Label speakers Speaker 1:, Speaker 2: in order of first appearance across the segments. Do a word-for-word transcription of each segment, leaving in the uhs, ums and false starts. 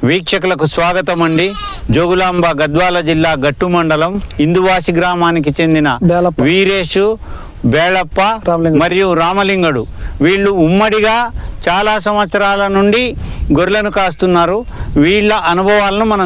Speaker 1: వీక్షకులకు స్వాగతం అండి. జోగులాంబ గద్వాల జిల్లా గట్టు మండలం ఇందువాసి గ్రామానికి చెందిన వీరేషు, బేళప్ప మరియు రామలింగడు వీళ్ళు ఉమ్మడిగా చాలా సంవత్సరాల నుండి గొర్రెలను కాస్తున్నారు. వీళ్ళ అనుభవాలను మనం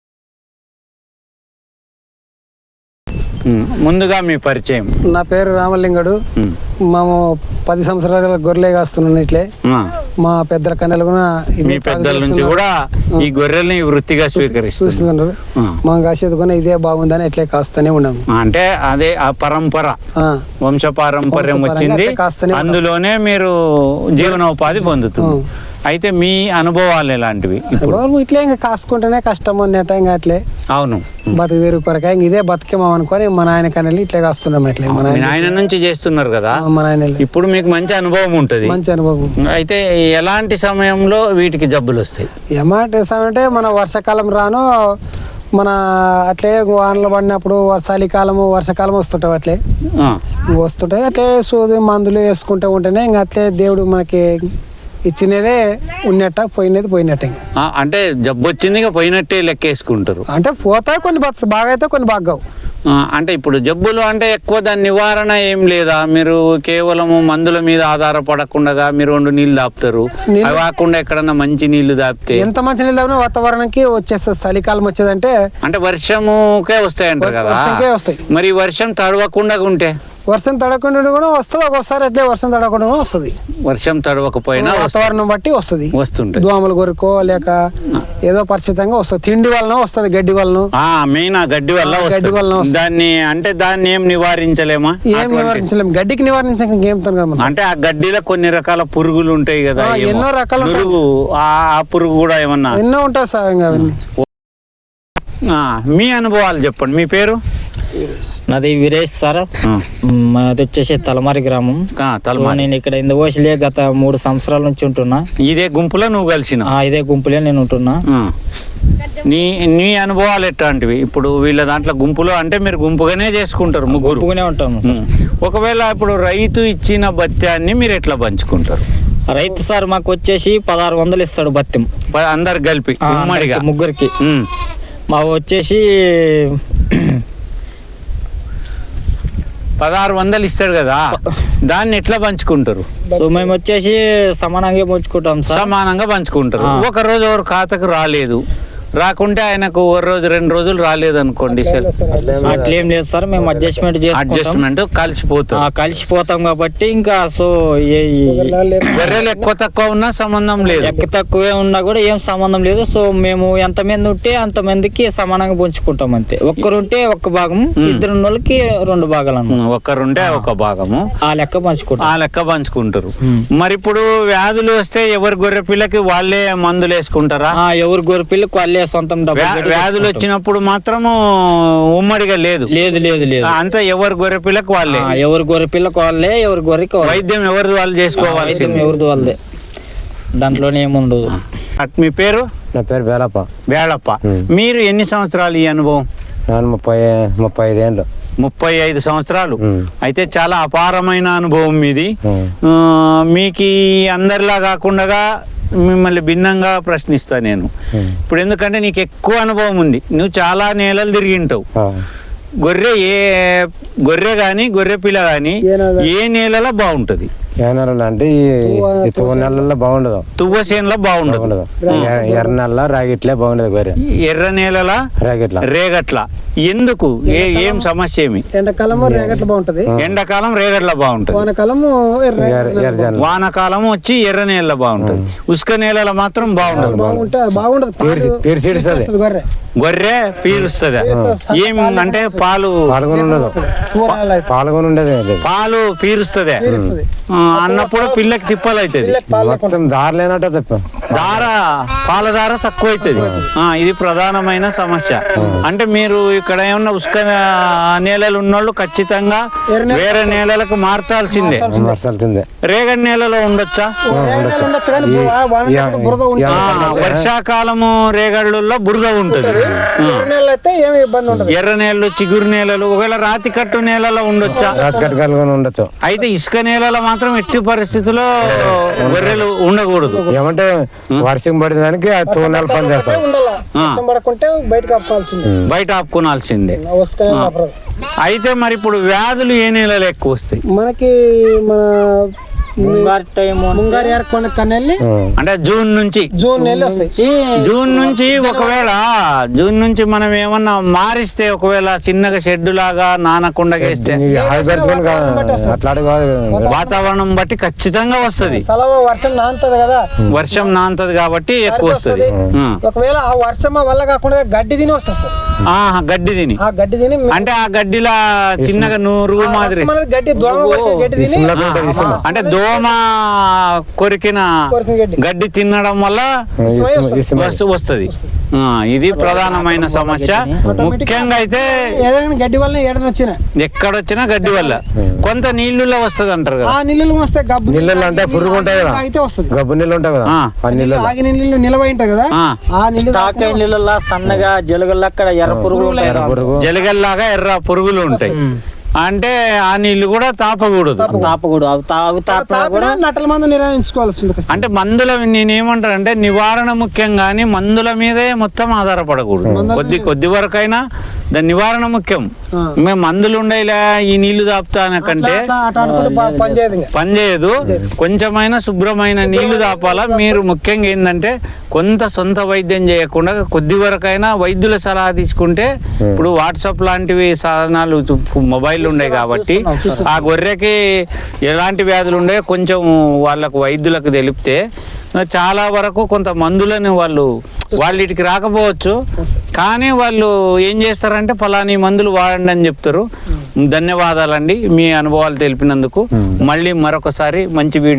Speaker 1: ముందుగా మీ పరిచయం.
Speaker 2: నా పేరు రామలింగడు. మేము పది సంవత్సరాల గొర్రెలే కాస్తున్నాను. ఇట్లే మా పెద్దల కన్నెలు కూడా
Speaker 1: మీ పెద్దల నుంచి కూడా ఈ గొర్రెల్ని వృత్తిగా స్వీకరిస్తున్నారు.
Speaker 2: మా కాసేది కూడా ఇదే బాగుందని ఇట్లే కాస్తూనే ఉన్నాము.
Speaker 1: అంటే అదే ఆ పరంపర, వంశ పారంపర్యం వచ్చింది, అందులోనే మీరు జీవనోపాధి పొందుతున్నారు. అయితే మీ అనుభవాలు ఎలాంటివి?
Speaker 2: ఇట్లే ఇంకా కాసుకుంటేనే కష్టం అన్నట్ట. ఇంకా అట్లే
Speaker 1: అవును,
Speaker 2: బతుకు తెరుగు కొరక ఇదే బతికేమో అనుకొని మా నాయన కన్నెలు ఇట్లే కాస్తున్నాం. ఇట్లే మన
Speaker 1: ఆయన నుంచి చేస్తున్నారు కదా,
Speaker 2: మా నాయన
Speaker 1: ఇప్పుడు మీకు మంచి అనుభవం ఉంటుంది.
Speaker 2: మంచి అనుభవం.
Speaker 1: అయితే ఎలాంటి సమయంలో వీటికి జబ్బులు వస్తాయి?
Speaker 2: ఎలాంటి సమయం అంటే మన వర్షాకాలం రాను మన అట్లే వానలు పడినప్పుడు చలికాలము వర్షాకాలం వస్తుంటాయి. అట్లే వస్తుంటాయి. అట్లే సూది మందులు వేసుకుంటూ ఉంటేనే ఇంకా అట్లే దేవుడు మనకి ఇచ్చినదే ఉన్నట్ట, పోయినది పోయినట్టే.
Speaker 1: అంటే జబ్బు వచ్చింది పోయినట్టే లెక్కేసుకుంటారు.
Speaker 2: అంటే పోతాయి కొన్ని బాగా అయితే కొన్ని బాగా.
Speaker 1: అంటే ఇప్పుడు జబ్బులు అంటే ఎక్కువ దాని నివారణ ఏం లేదా? మీరు కేవలము మందుల మీద ఆధారపడకుండా మీరు రెండు నీళ్లు దాపుతారు. అవి కాకుండా ఎక్కడన్నా మంచి నీళ్లు దాపితే
Speaker 2: ఎంత మంచి నీళ్ళు దాపినా వాతావరణానికి వచ్చేస్తుంది. చలికాలం వచ్చేదంటే
Speaker 1: అంటే వర్షముకే వస్తాయంటారు కదా.
Speaker 2: వస్తాయి.
Speaker 1: మరి వర్షం తడవకుండా ఉంటే?
Speaker 2: వర్షం తడవకుండా కూడా వస్తుంది. ఒక్కోసారి అట్లే వర్షం తడవకుండా కూడా వస్తుంది.
Speaker 1: వర్షం తడవకపోయినా
Speaker 2: వాతావరణం బట్టి వస్తుంది.
Speaker 1: వస్తుంటుంది.
Speaker 2: దోమలు కొరుకో లేక ఏదో పరిచితంగా వస్తుంది. తిండి వలన వస్తుంది, గడ్డి వలన.
Speaker 1: మెయిన్ ఆ గడ్డి వల్ల
Speaker 2: గడ్డి వలన
Speaker 1: దాన్ని అంటే దాన్ని ఏం నివారించలేమా?
Speaker 2: ఏం నివారించలేము. గడ్డికి నివారించే
Speaker 1: అంటే ఆ గడ్డిలో కొన్ని రకాల పురుగులు ఉంటాయి కదా,
Speaker 2: ఎన్నో రకాల
Speaker 1: పురుగు. ఆ పురుగు కూడా ఏమన్నా
Speaker 2: ఎన్నో ఉంటాయి సార్. అవన్నీ
Speaker 1: మీ అనుభవాలు చెప్పండి. మీ పేరు?
Speaker 3: నాది వీరేష్ సార్. మాది వచ్చేసి తలమారి గ్రామం. నేను ఇక్కడ ఇందువాసిలే గత మూడు సంవత్సరాల నుంచి ఉంటున్నా.
Speaker 1: ఇదే గుంపులో నువ్వు కలిసిన?
Speaker 3: ఇదే గుంపులే నేను ఉంటున్నా.
Speaker 1: నీ నీ అనుభవాలు ఎట్లాంటివి? ఇప్పుడు వీళ్ళ దాంట్లో గుంపులో అంటే మీరు గుంపుగానే చేసుకుంటారు, ముగ్గురు
Speaker 3: గుంపుగానే ఉంటాము.
Speaker 1: ఒకవేళ ఇప్పుడు రైతు ఇచ్చిన భత్యాన్ని మీరు ఎట్లా పంచుకుంటారు?
Speaker 3: రైతు సార్ మాకు వచ్చేసి పదహారు వందలు ఇస్తాడు భత్యం,
Speaker 1: అందరు కలిపి ఉమ్మడిగా
Speaker 3: ముగ్గురికి. మాకు వచ్చేసి
Speaker 1: పదహారు వందలు ఇస్తాడు కదా, దాన్ని ఎట్లా పంచుకుంటారు?
Speaker 3: సో మేము వచ్చేసి సమానంగా పంచుకుంటాం సార్.
Speaker 1: సమానంగా పంచుకుంటారు. ఒక రోజు ఎవరు ఖాతాకు రాలేదు, రాకుంటే ఆయనకు ఒక రోజు రెండు రోజులు రాలేదు అనుకోండి సార్,
Speaker 3: అట్లేం లేదు సార్. మేము అడ్జస్ట్మెంట్
Speaker 1: అడ్జస్ట్మెంట్ కలిసిపోతాం
Speaker 3: కలిసిపోతాం కాబట్టి ఇంకా సో
Speaker 1: గొర్రెలు ఎక్కువ తక్కువ ఉన్నా సంబంధం లేదు,
Speaker 3: ఎక్కువ తక్కువే ఉన్నా కూడా ఏం సంబంధం లేదు. సో మేము ఎంతమంది ఉంటే అంతమందికి సమానంగా పంచుకుంటాం అంతే. ఒక్కరుంటే ఒక్క భాగం, ఇద్దరు వాళ్ళకి రెండు భాగాలు అన్నమాట.
Speaker 1: ఒక్కరుంటే ఒక భాగము
Speaker 3: ఆ లెక్క పంచుకుంటాం.
Speaker 1: ఆ లెక్క పంచుకుంటారు. మరి ఇప్పుడు వ్యాధులు వస్తే ఎవరి గొర్రె పిల్లకి వాళ్ళే మందులు వేసుకుంటారా?
Speaker 3: ఎవరి గొర్రె పిల్లకి వాళ్ళే సొంతం.
Speaker 1: వ్యాధులు వచ్చినప్పుడు మాత్రం ఉమ్మడిగా లేదు
Speaker 3: లేదు లేదు లేదు
Speaker 1: అంతా ఎవరి గొర్రె పిల్లకు వాళ్ళే,
Speaker 3: ఎవరి గొర్రె పిల్లకు వాళ్ళే, ఎవరి గొర్రెకి
Speaker 1: వైద్యం ఎవరిది వాళ్ళు చేసుకోవాల్సింది,
Speaker 3: ఎవరిది వాళ్ళదే. దాంట్లోనే ఏముండదు.
Speaker 1: మీ పేరు?
Speaker 4: నా పేరు బేళప్ప.
Speaker 1: బేళప్ప. మీరు ఎన్ని సంవత్సరాలు ఈ అనుభవం?
Speaker 4: నేను ముప్పై ముప్పై ఐదు ఏళ్ళు.
Speaker 1: ముప్పై ఐదు సంవత్సరాలు. అయితే చాలా అపారమైన అనుభవం మీది. మీకు అందరిలా కాకుండా మిమ్మల్ని భిన్నంగా ప్రశ్నిస్తా నేను ఇప్పుడు. ఎందుకంటే నీకు ఎక్కువ అనుభవం ఉంది, నువ్వు చాలా నేలలు తిరిగింటావు. గొర్రె ఏ గొర్రె కానీ గొర్రె పిల్ల కానీ ఏ నేలలో బాగుంటుంది?
Speaker 4: ఏ నెలలో అంటే ఈ తువ్వ నెలల్లో బాగుండదు,
Speaker 1: తువ్వ చేనులో బాగుండదు,
Speaker 4: ఎర్ర నెల రాగిట్లే బాగుండదు గొర్రె.
Speaker 1: ఎర్ర నేలల
Speaker 4: రేగట్ల
Speaker 1: రేగట్ల ఎందుకు? ఏం సమస్య ఏమి?
Speaker 2: ఎండాకాలం రేగట్ల బాగుంటది,
Speaker 1: ఎండాకాలం రేగట్ల బాగుంటది,
Speaker 2: వానకాలము
Speaker 1: వానకాలం వచ్చి ఎర్ర నేల బాగుంటది, ఉసుక నేలలో మాత్రం బాగుండదు.
Speaker 2: బాగుంటది
Speaker 1: గొర్రె పీలుస్తుంది. ఏం అంటే పాలు
Speaker 4: పాల్గొని ఉండదు, పాల్గొని ఉండదు,
Speaker 1: పాలు పీరుస్తుంది అన్నప్పుడు పిల్లకి తిప్పలు అవుతుంది.
Speaker 4: మొత్తం దార లేనట్టు తప్ప
Speaker 1: దార పాల దార తక్కువ అవుతుంది. ఇది ప్రధానమైన సమస్య. అంటే మీరు ఇక్కడ ఏమన్నా ఉసుక నేలలు ఉన్నోళ్ళు ఖచ్చితంగా వేరే నేలలకు మార్చాల్సిందే. రేగడి నేలలో ఉండొచ్చా? వర్షాకాలము రేగళ్ళలో బురద ఉంటుంది, ఎర్ర నేలలు చిగురు నేలలు ఒకవేళ రాతి కట్టు నేలలో ఉండొచ్చా?
Speaker 4: ఉండొచ్చు.
Speaker 1: అయితే ఇసుక నేలలో మాత్రం మాత్రం ఎట్టి పరిస్థితుల్లో గొర్రెలు ఉండకూడదు.
Speaker 4: ఏమంటే వర్షం పడిన దానికి ఆ తూనాలు పని చేస్తాం.
Speaker 2: ఉండాలా వర్షం పడకుంటే బయటకు ఆపుకోవాల్సిందే,
Speaker 1: బయట ఆపుకోనాల్సిందే.
Speaker 2: వస్తానే ఆపరాదు.
Speaker 1: అయితే మరి ఇప్పుడు వ్యాధులు ఏ నెలలో ఎక్కువ వస్తాయి?
Speaker 2: మనకి మన
Speaker 3: ముంగారు టైం
Speaker 2: ముంగారు ఏర్కొండ కన్నెల్లి
Speaker 1: అంటే జూన్ నుంచి
Speaker 2: జూన్ నెలలు వస్తాయి.
Speaker 1: జూన్ నుంచి ఒకవేళ జూన్ నుంచి మనం ఏమన్నా మారిస్తే, ఒకవేళ చిన్నగా షెడ్ లాగా నానకుండా వేస్తే
Speaker 4: అట్లాంటి కాదు.
Speaker 1: వాతావరణం బట్టి ఖచ్చితంగా వస్తుంది.
Speaker 2: సలవ వర్షం నానుతుంది కదా,
Speaker 1: వర్షం నాంతది కాబట్టి ఎక్కువ వస్తుంది.
Speaker 2: ఒకవేళ ఆ వర్షం వల్ల కాకుండా గడ్డి తిని వస్తుంది సార్.
Speaker 1: ఆహా, గడ్డి తిని,
Speaker 2: ఆ గడ్డి తిని
Speaker 1: అంటే ఆ గడ్డిలా చిన్నగా నురుగు మాదిరి,
Speaker 2: మనది గడ్డి దోమ కొట్టిన గడ్డి తిని
Speaker 1: అంటే దోమ కొరికిన
Speaker 2: కొరికిన గడ్డి
Speaker 1: గడ్డి తినడం వల్ల వస్తుంది. ఇది ప్రధానమైన సమస్య. ముఖ్యంగా అయితే
Speaker 2: ఏదైనా గడ్డి వల్ల ఏడన వచ్చినా
Speaker 1: ఎక్కడొచ్చినా గడ్డి వల్ల కొంత నీళ్ళులో వస్తుంది అంటారు కదా.
Speaker 2: ఆ నీళ్ళు వస్తే గబ్బు
Speaker 4: నీళ్ళు అంటే పురుగు ఉంటాయి కదా,
Speaker 2: అయితే వస్తుంది.
Speaker 4: గబ్బు నీళ్ళు ఉంటాయి కదా, ఆ నీళ్ళు
Speaker 2: ఆగి నీళ్ళు నిలవ ఉంటాయి కదా, ఆ నీళ్ళు
Speaker 3: తాకే నీళ్ళ సన్నగా జలుగుల్లో అక్కడ ఎర్ర పురుగులు ఉంటాయి.
Speaker 4: పురుగు
Speaker 1: జలగల్లాగా ఎర్ర పురుగులు ఉంటాయి. అంటే ఆ నీళ్లు కూడా తాపకూడదు.
Speaker 3: తాపకూడదు. అవి తావి తాపినా కూడా
Speaker 2: నట్టల మందు నిర్వహించుకోవాల్సి.
Speaker 1: అంటే మందుల నేనేమంటానంటే నివారణ ముఖ్యం, కానీ మందుల మీదే మొత్తం ఆధారపడకూడదు. కొద్ది కొద్ది వరకైనా దాని నివారణ ముఖ్యం. మేము మందులు ఉండేలా ఈ నీళ్లు తాపుతానకంటే పనిచేయదు. కొంచెమైనా శుభ్రమైన నీళ్లు తాపాలా. మీరు ముఖ్యంగా ఏంటంటే కొంత సొంత వైద్యం చేయకుండా కొద్ది వరకైనా వైద్యుల సలహా తీసుకుంటే, ఇప్పుడు వాట్సాప్ లాంటివి సాధనాలు మొబైల్ ఉన్నాయి కాబట్టి ఆ గొర్రెకి ఎలాంటి వ్యాధులు ఉండే కొంచెం వాళ్ళకు వైద్యులకు తెలిపితే చాలా వరకు కొంత మందులని వాళ్ళు వాళ్ళకి రాకపోవచ్చు, కానీ వాళ్ళు ఏం చేస్తారంటే ఫలాని మందులు వాడండి అని చెప్తారు. ధన్యవాదాలండి మీ అనుభవాలు తెలిపినందుకు. మళ్ళీ మరొకసారి మంచి వీడియో